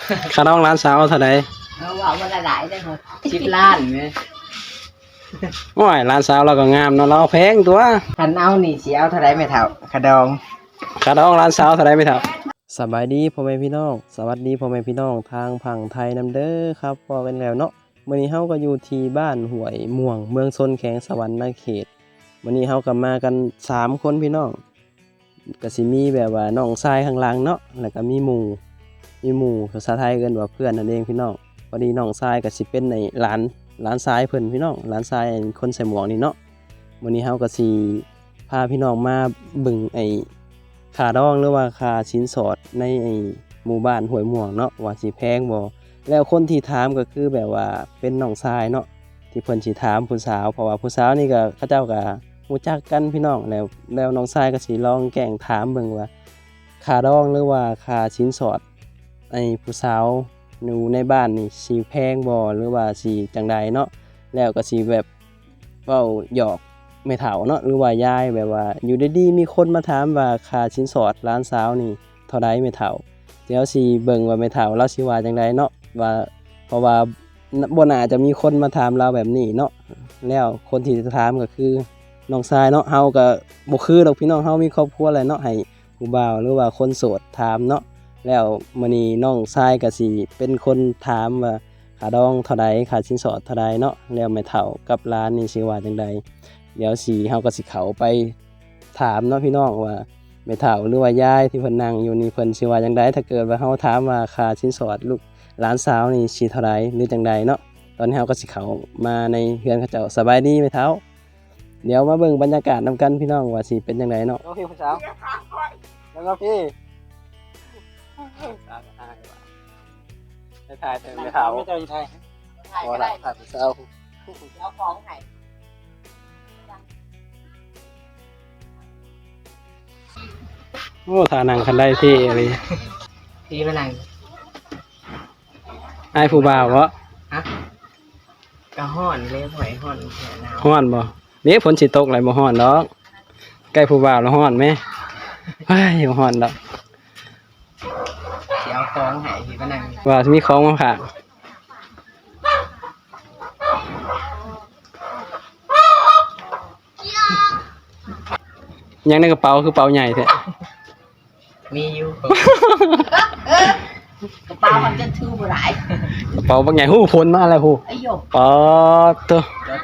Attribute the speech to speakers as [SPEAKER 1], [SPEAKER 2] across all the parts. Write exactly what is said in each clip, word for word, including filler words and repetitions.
[SPEAKER 1] ค่าน้องร้านสาวเท่าไหร่
[SPEAKER 2] เราว่าวันละหลายได้หมด
[SPEAKER 3] สิบล้านไหม
[SPEAKER 1] โอ้ยร้านสาวเราก็งามเนาะเราแพงตัว
[SPEAKER 3] คันเอานี่สิเอาเท่าไรไม่เท่าขะดอง
[SPEAKER 1] ค่าน้องร้านสาวเท่าไหร่ไม่เท่าสบายดีพ่อแม่พี่น้องสวัสดีพ่อแม่พี่น้องทางฝั่งไทยนำเด้อครับพอกันแล้วเนาะมื้อนี้เฮาก็อยู่ที่บ้านห้วยม่วงเมืองชนแขงสวรรค์เขตมื้อนี้เฮาก็มากันสามคนพี่น้องก็สิมีแบบว่าน้องชายข้างหลังเนาะแล้วก็มีหมู่มีหมู่ภาษาไทยเอิ้นว่าเพื่อนนั่นเองพี่น้องพอดีน้องชายก็สิเป็นในหลานหลานชายเพิ่นพี่น้องหลานชายคนใส่หมวกนี่เนาะมื้อนี้เฮาก็สิพาพี่น้องมาเบิ่งไอ้ค่าดองหรือว่าค่าสินสอดในไอ้หมู่บ้านห้วยม่วงเนาะว่าสิแพงบ่แล้วคนที่ถามก็คือแบบว่าเป็นน้องชายเนาะที่เพิ่นสิถามผู้สาวเพราะว่าผู้สาวนี่ก็เขาเจ้าก็รู้จักกันพี่น้องแล้วแล้วน้องชายก็สิลองแกล้งถามเบิ่งว่าค่าดองหรือว่าค่าสินสอดไอ้ผู้สาวอยู่ในบ้านนี่สิแพงบ่หรือว่าสิจังใดเนาะแล้วก็สิแบบเว้าหยอกแม่เฒ่าเนาะหรือว่ายายแบบว่าอยู่ดีๆมีคนมาถามว่าค่าสินสอดหลานสาวนี่เท่าใดแม่เฒ่าเดี๋ยวสิเบิ่งว่าแม่เฒ่าเราสิว่าจังใดเนาะว่าเพราะว่าบ่น่าจะมีคนมาถามเราแบบนี้เนาะแล้วคนที่จะถามก็คือน้องชายเนาะเฮาก็บ่คือดอกพี่น้องเฮามีครอบครัวแล้วเนาะให้ผู้บ่าวหรือว่าคนโสดถามเนาะแล้วมื้อนี้น้องชายก็สิเป็นคนถามว่าค่าดองเท่าใดค่าสินสอดเท่าใดเนาะแล้วแม่เฒ่ากับหลานนี่สิว่าจังใดเดี๋ยวสิเฮาก็สิเข้าไปถามเนาะพี่น้องว่าแม่เฒ่าหรือว่ายายที่เพิ่นนั่งอยู่นี่เพิ่นสิว่าจังใดถ้าเกิดว่าเฮาถามว่าค่าสินสอดลูกหลานสาวนี่สิเท่าใดหรือจังใดเนาะตอนนี้เฮาก็สิเข้ามาในเฮือนเขาเจ้าสบายดีแม่เฒ่าเดี๋ยวมาเบิ่งบรรยากาศนำกันพี่น้องว่าสิเป็นจังไดเนาะโอเคผู้สาวแล้วก็พี่ถ่ายแต่ไม่เฒ่าไม่เจ้าอยู่ไทยบ่ล่ะถ่ายผู้สาว
[SPEAKER 2] เอาของไหน
[SPEAKER 1] โอ้ท่านั่งคันได้ที่อะไร
[SPEAKER 3] พี่มานั่ง
[SPEAKER 1] ไอ้ผู้บ่าวบ่
[SPEAKER 3] ฮะกะฮ้อนเลยหอยฮ้อนแค่หนาว
[SPEAKER 1] ฮ้อนบ่นี่ฝนสิตกไหลบ่ฮ้อนดอกใกล้ผู้บ่าวแล้วฮ้อนแม่เฮ้ยบ่ฮ้อนดอก
[SPEAKER 3] สิเอาของให้พี่มานั่ง
[SPEAKER 1] ว่าสิมีของมาฝากยังในกระเป๋าคือเป๋าใหญ่แท้
[SPEAKER 3] มีอยู่
[SPEAKER 2] กระเป๋ามันจะถือบ่หลาย
[SPEAKER 1] กระเป๋าบักใหญ่ฮู้พ้นมาแล้วฮู้
[SPEAKER 2] ไอ้หยก
[SPEAKER 1] ป๊อดตัว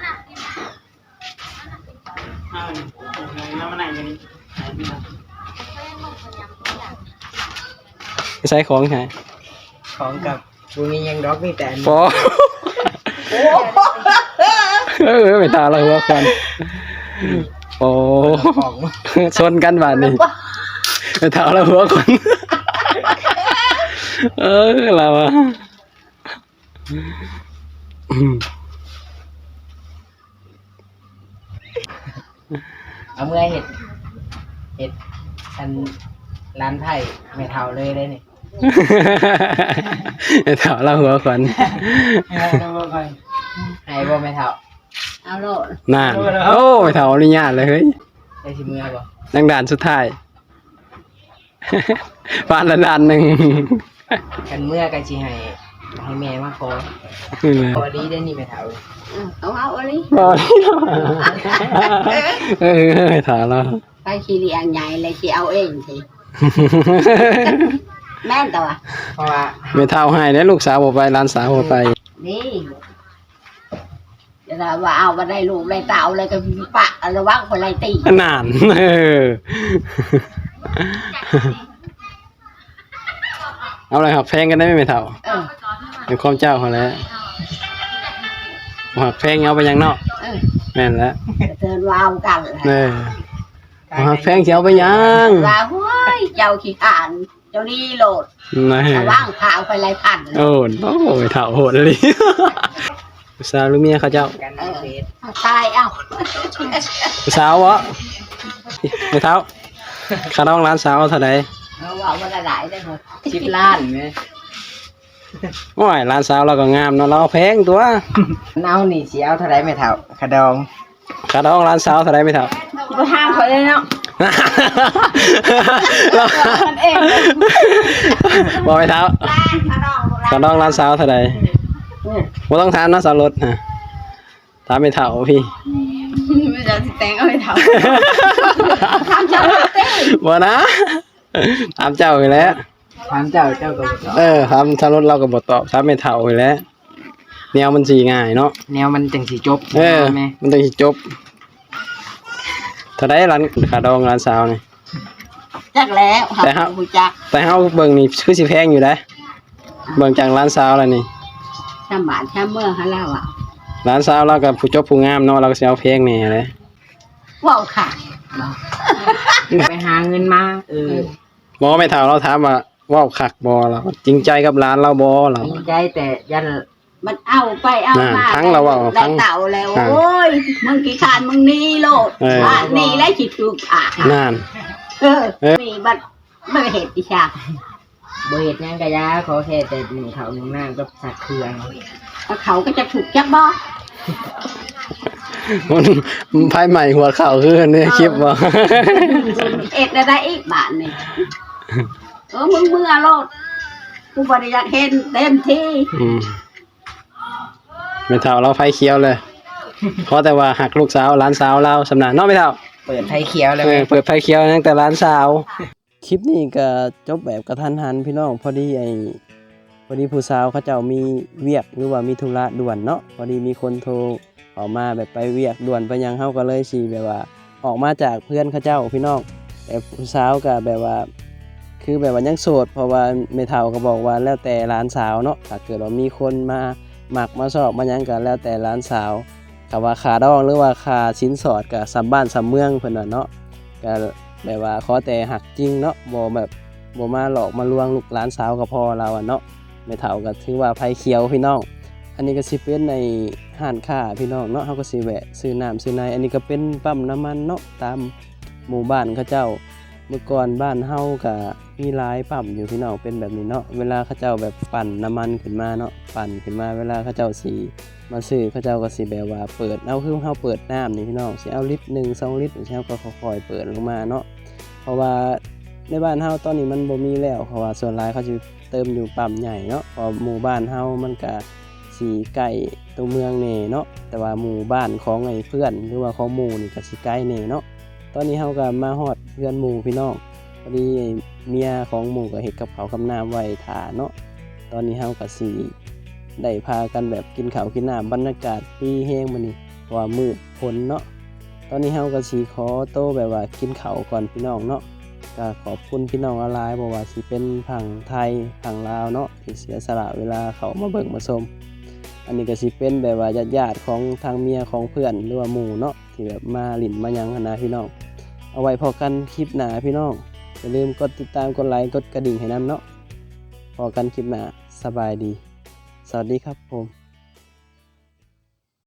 [SPEAKER 1] ใช้ของใช่
[SPEAKER 3] ของกับบุมียังดอกมีแต่
[SPEAKER 1] ปอเออไม่ตาเราหัวควันโอ้ชนกันบ้านนี่ไม่ตาเราหัวควันเออเราอะ
[SPEAKER 3] เอาเมื่อเห็ดเห็ดอันร้านไผ่ไม่เท่าเลยได้นี่
[SPEAKER 1] ไม่เท่าเราหัวควัน
[SPEAKER 3] ไอ้บ่ไม่เท่า
[SPEAKER 2] เอาโลด
[SPEAKER 1] นานโอ้ไม่เท่าอนุญาตเลยเฮ้ย
[SPEAKER 3] ได้สิเมื่อบ่
[SPEAKER 1] ดังด่านสุดท้ายฟาดละด่านหนึ่ง
[SPEAKER 3] กันเมื่อกันสิให้ให้แม่มาขอพอดีได้นี่ไม่เท่า
[SPEAKER 2] เอาเอาอะไร
[SPEAKER 1] พอดีเออไม่เท่าเรา
[SPEAKER 2] ไปขี้เลี้ยงใหญ่เลยสิเอาเองสิแม่นตัว
[SPEAKER 3] เพราะว่า
[SPEAKER 1] ไม่เท่าให้แล้วลูกสาวบ่ไปหลานสาวบ่ไป
[SPEAKER 2] นี่จะว่าเอามาได้ลูกได้เต่าเลยก็ปะระวังคนไรตี
[SPEAKER 1] นานเออเอาอะไรหักแพงกันได้ไหมไม่เท่าเป็นความเจ้าเขาแล้วหักแพงเอาไปยังนอกแม่นแล้ว
[SPEAKER 2] เดินวาวกัน
[SPEAKER 1] เลยหักแพงเอาไปยัง
[SPEAKER 2] ว่าห้ยเจ้าขี้ขานเจ้านี่โหลดระวังข่าวไปไรพัน
[SPEAKER 1] โอ้โหไม่เท่าโหดเลยสาวลูกเมียเขาเจ้า
[SPEAKER 2] ตายเอ้า
[SPEAKER 1] สาววะไม่เท่าค่าน้องร้านสาวเท่าไหร่
[SPEAKER 2] เราว่าวันละหลายได้หมด
[SPEAKER 3] สิบล้านไหม
[SPEAKER 1] โอ้ยร้านสาวเราก็งามเนาะเราแพงตัว
[SPEAKER 3] เอานี่สิเอาเท่าไรไม่เท่าขะดอง
[SPEAKER 1] ค่าน้องร้านสาวเท่าไหร่ไม่เท่า
[SPEAKER 2] ไปห้างเขาเลยเนาะมันเอง
[SPEAKER 1] บอกไม่เท่า
[SPEAKER 2] ค่าน้อง
[SPEAKER 1] าดองร้านสาวเท่าใด
[SPEAKER 2] โอ้
[SPEAKER 1] บ่ต้องถามนะสาวรถฮะถามไม่เฒ่าพี่
[SPEAKER 4] ไม่จะสิแต่งเอาไปท
[SPEAKER 2] ทำจะเต้
[SPEAKER 1] บ่นะถามเจ้าอีกแล้ว
[SPEAKER 3] ถามเจ้าเจ้าก็บอก
[SPEAKER 1] เออถามสาวรถเราก็บ่ตอบถามไม่เฒ่าอีกแล้วแนวมันสิง่ายเนาะ
[SPEAKER 3] แนวมันจังสิจบ
[SPEAKER 1] เออ
[SPEAKER 3] แม่
[SPEAKER 1] มันต้องสิจบเท่าใดร้านขาดองร้านสาวนี่
[SPEAKER 2] จักแล้วครับ
[SPEAKER 1] แต่ฮะ
[SPEAKER 2] ผู้จัก
[SPEAKER 1] แต่เฮาเบิ่งนี่คือสิแพงอยู่เด้เบิ่งจากร้านสาวแล้วนี่
[SPEAKER 2] ชำบานชำเมืองฮะแล้วอ่ะ
[SPEAKER 1] ร้านสาวเราก็ผู้จบผู้งามเนาะเราก็สิเอาเพลงนี่แหละ
[SPEAKER 2] ว้าวค่ะ
[SPEAKER 3] ไปหาเงินมาเออ
[SPEAKER 1] บ่ไม่เฒ่าเราถามว่าเว้าคักบ่เราจริงใจกับร้านเราบ่เรา
[SPEAKER 3] จริงใจแต่ยัน
[SPEAKER 2] มันเอาไปเอามา
[SPEAKER 1] น่ะทั้งเราเอาทั้
[SPEAKER 2] ได้
[SPEAKER 1] ง
[SPEAKER 2] เต่าแล้ว
[SPEAKER 1] อ่า
[SPEAKER 2] โอ้ยมึงกี่ขานมึงนี่โลด
[SPEAKER 1] เออ
[SPEAKER 2] ว่านี่แล้วจิตถูกอ่ะ
[SPEAKER 1] นั่น
[SPEAKER 2] เออ
[SPEAKER 1] เออ
[SPEAKER 2] นี่บัดไม่เห็นอีชา
[SPEAKER 3] บ่เฮ็ดหยังกะยาขอแค่แต่หนึ่งเขาวหนึ่งน้ำกับสักเครื่อง
[SPEAKER 2] แล้วเขาก็จะถูกจับบ่
[SPEAKER 1] มันมันไผใหม่หัวเข่าคือในคลิปบ่
[SPEAKER 2] เอ็ดได้อีกบาทนี่เออมึงเมื่อโลดกูบริยากเห็นเต็มที่
[SPEAKER 1] อืมไม่เฒ่าเราไฟเขียวเลยขอแต่ว่าหักลูกสาวหลานสาวเราสำนักเนาะไม่เฒ่า
[SPEAKER 3] เปิดไฟเขียวเลย
[SPEAKER 1] เอ
[SPEAKER 3] ไหม
[SPEAKER 1] อเปิดไฟเขียวตั้งแต่ร้านสาว คลิปนี้ก็จบแบบกระทันหันพี่น้องพอดีไอ้พอดีผู้สาวเขาเจ้ามีเวียกหรือว่ามีธุระด่วนเนาะพอดีมีคนโทรออกมาแบบไปเวียกด่วนไปยังเฮาก็เลยสิแบบว่า ออกมาจากเพื่อนเขาเจ้าพี่น้องแต่ผู้สาวก็แบบว่า คือแบบว่ายังโสดเพราะว่าแม่เฒ่าก็บอกว่าแล้วแต่ร้านสาวเนาะถ้าเกิดว่ามีคนมาหมักมาสอบมาหยังก็แล้วแต่ร้านสาวก็ว่าค่าดองหรือว่าค่าสินสอดก็สำบ้านสำเมืองเพิ่นน่ะเนาะก็แบบว่าขอแต่หักจริงเนาะบ่แบบบ่มาหลอกมาลวงลูกหลานสาวก็พอเราอ่ะเนาะแม่เฒ่าก็ถือว่าไผเขียวพี่น้องอันนี้ก็สิเป็นในห้านค้าพี่น้องเนาะเฮาก็สิแวะซื้อน้ำซื้อในอันนี้ก็เป็นปั๊มน้ำมันเนาะตามหมู่บ้านเขาเจ้า เมื่อก่อนบ้านเฮาก็มีหลายปั๊มอยู่พี่น้องเป็นแบบนี้เนาะเวลาเขาเจ้าแบบปั่นน้ำมันขึ้นมาเนาะปั่นขึ้นมาเวลาเขาเจ้าสิมาซื้อเขาเจ้าก็สิแบบว่าเปิดเอาคือเฮาเปิดน้ำนี่พี่น้องสิเอาลิตรหนึ่ง สองลิตรเฮาก็ค่อยๆเปิดลงมาเนาะเพราะว่าในบ้านเฮาตอนนี้มันบ่มีแล้วเพราะว่าส่วนหลายเขาสิเติมอยู่ปั๊มใหญ่เนาะเพราะหมู่บ้านเฮามันก็สิใกล้ตัวเมืองแน่เนาะแต่ว่าหมู่บ้านของไอ้เพื่อนหรือว่าของหมู่นี่ก็สิไกลแน่เนาะตอนนี้เฮาก็มาฮอดเพื่อนหมู่พี่น้องพอดีเมียของหมู่ก็เฮ็ดกับข้าวกับน้ำไว้ท่าเนาะตอนนี้เฮาก็สิได้พากันแบบกินข้าวกินน้ำบรรยากาศดีแฮงมื้อนี้เพราะว่ามืดฝนเนาะตอนนี้เฮาก็สิขอโตวแบบว่ากินข้าวก่อนพี่น้องเนาะก็ขอบคุณพี่น้องหลายๆบ่ว่าสิเป็นฝั่งไทยฝั่งลาวเนาะที่เสียสละเวลาเขามาเบิ่งมาชมอันนี้ก็สิเป็นแบบว่าญาติๆของทางเมียของเพื่อนหรือว่าหมู่เนาะที่แบบมาหลินมาหยังหั้นนะพี่น้องเอาไว้พอกันคลิปหน้าพี่น้องอย่าลืมกดติดตามกดไลค์กดกระดิ่งให้นำเนาะพอกันคลิปหน้าสบายดีสวัสดีครับผม